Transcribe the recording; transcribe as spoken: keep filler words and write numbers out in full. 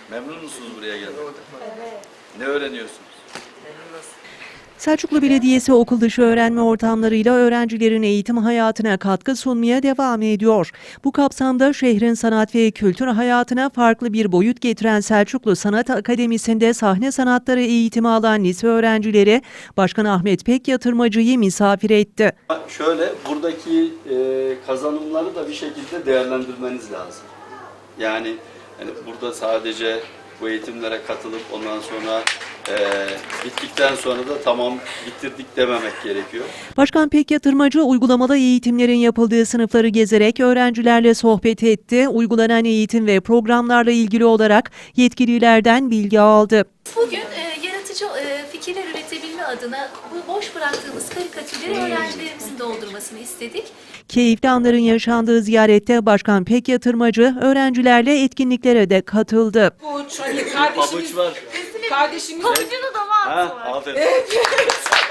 Memnun musunuz buraya gelmek? Evet. Ne öğreniyorsunuz? Selçuklu Belediyesi okul dışı öğrenme ortamlarıyla öğrencilerin eğitim hayatına katkı sunmaya devam ediyor. Bu kapsamda şehrin sanat ve kültür hayatına farklı bir boyut getiren Selçuklu Sanat Akademisi'nde sahne sanatları eğitimi alan lise öğrencileri Başkan Ahmet Pekyatırmacı'yı misafir etti. Şöyle, buradaki e, kazanımları da bir şekilde değerlendirmeniz lazım. Yani, yani burada sadece bu eğitimlere katılıp ondan sonra e, bittikten sonra da tamam bitirdik dememek gerekiyor. Başkan Pekyatırmacı uygulamalı eğitimlerin yapıldığı sınıfları gezerek öğrencilerle sohbet etti. Uygulanan eğitim ve programlarla ilgili olarak yetkililerden bilgi aldı. Bugün e, yaratıcı e, fikirler üretebilme adına bu boş bıraktığımız karikatürleri öğrencilerimizin doldurmasını istedik. Keyifli anların yaşandığı ziyarette Başkan Pekyatırmacı öğrencilerle etkinliklere de katıldı. Pabuç, hani kardeşimiz, Pabuç var. kardeşimiz Pabucunu da var. Ha, aferin.